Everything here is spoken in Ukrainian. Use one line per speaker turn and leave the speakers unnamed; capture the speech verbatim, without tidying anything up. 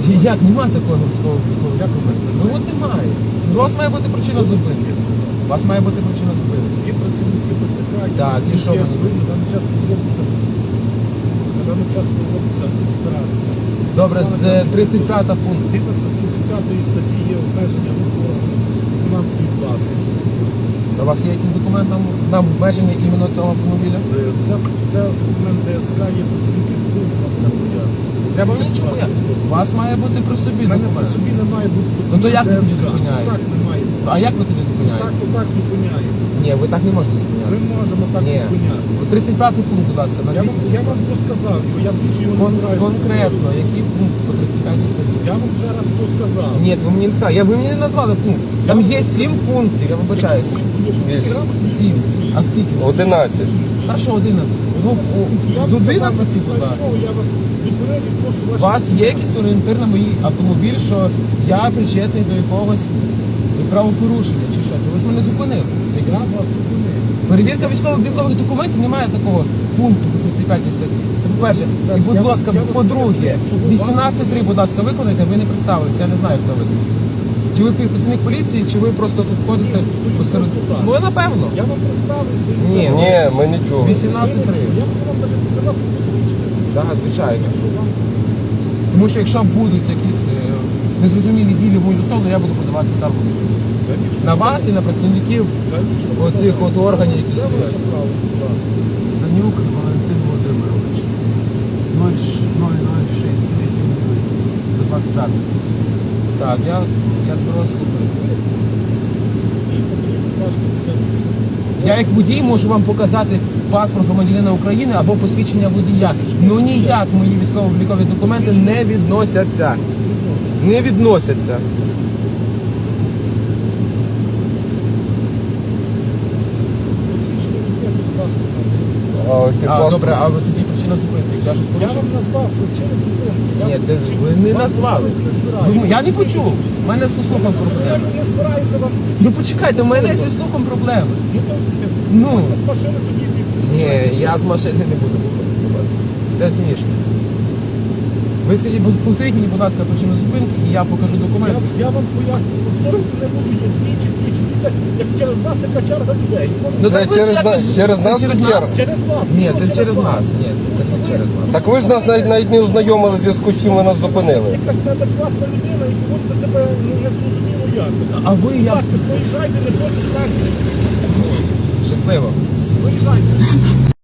Як? Немає такого військового документу? Ну от немає. У вас має бути причина зупинки. У вас має бути причина зупинки.
Є працівники БЦК,
Так, і що вони
на даний час проводиться, на даний час проводиться операція.
Добре, з тридцять п'ятого пункту.
Згідно тридцять п'ятої статті є обмеження руху виконавчої влади.
У вас є якийсь документ на, на обмеження іменно цього автомобіля?
Це, це документ ДСК, є працівники СБУ, на все пояснює.
Треба нічого. У вас має бути при собі
У мене при
документ.
собі не має бути
Ну то як ви тоді
ДСК.
зупиняєте?
Так не має бути.
А як ви тоді зупиняєте?
Так, отак зупиняємо.
Ні, ви так не можете зупиняти.
Ми можемо так
Ні.
зупиняти.
тридцять п'ятий пункт, будь ласка,
Я
назвіть.
вам, я вам розказав його, я двічі його
Кон-
збираюся.
конкретно, який пункт по тридцять п'ятій статті?
Я вам вже раз розказав.
Ні, ви мені не сказали. Я, ви мені не назвали пункт. Там є сім пунктів, я вибачаюсь. Сім. А скільки?
одинадцять.
Перше одинадцять. Ну, о, з одинадцяти сюди.
Я вас зупинив і прошу
У
ваші...
вас є якийсь орієнтир на мій автомобіль, що я причетний до якогось правопорушення чи що? Ви ж мене зупинили.
Я вас зупинив.
Перевірка військово-облікових документів немає такого пункту по тридцять п'ятій статті. Це по-перше. І, будь ласка, по-друге, вісімнадцять три, будь ласка, виконайте, ви не представилися, я не знаю, хто ви. Чи ви працівник поліції, чи ви просто тут ходите посеред... Ну, напевно.
Я вам представився і
Ні.
все.
Ні, ми нічого.
вісімнадцять три.
Я можу вам навіть показати посвідчення.
Так, звичайно.
Якщо вам...
Тому що якщо будуть якісь е, незрозумілі дії в мою сторону, я буду подавати скаргу на суд.
Конечно,
На вас і на працівників
конечно,
оцих от органів, які
Це ваше
стоять.
право, будь ласка.
Занюк Валентин Володимирович. нуль нуль шість вісім до двадцять п'ятого. Так, я, я тебе вас слухаю.
І потрібно, будь ласка, це-
Я як водій можу вам показати паспорт громадянина України або посвідчення водія. Ну ніяк мої військово-облікові документи не відносяться. Не відносяться.
Посвідчення водія, будь ласка.
А, ти
А,
паспорт?
добре, а ви тоді причина зупинки? Я щось
Я
порушив?
вам назвав причини зупинки. Я
Ні,
вам
це
причини-
ви не
Вам
назвали.
не збираю.
Ви- Я не почув. У мене зі слухом
Я
проблеми.
не збираюся вам...
Ну почекайте, у мене зі слухом проблеми.
Ну, то,
Ну.
з машини тоді
Ні, я з машини не буду виходити. Це смішно. Ви скажіть, бо- повторіть мені, будь ласка, причину зупинки, і я покажу
Я,
документи.
я вам поясню, повторювати не буду, є двічі, двічі. Це як через вас, яка черга людей. Може,
Ну,
Це
так ви ж
через
якось-
нас- через
це
нас
через
чи
нас?
через-
через вас.
Ні,
Ну,
це через нас. Ні, це не через нас.
Так ви ж нас навіть, навіть не ознайомили в зв'язку з чим ви нас зупинили.
Якась неадекватна людина і поводите себе ну, незрозуміло як.
А ви
Будь
як?
ласка, проїжджайте, не будьте красти.
Щасливо.
Проїжджайте.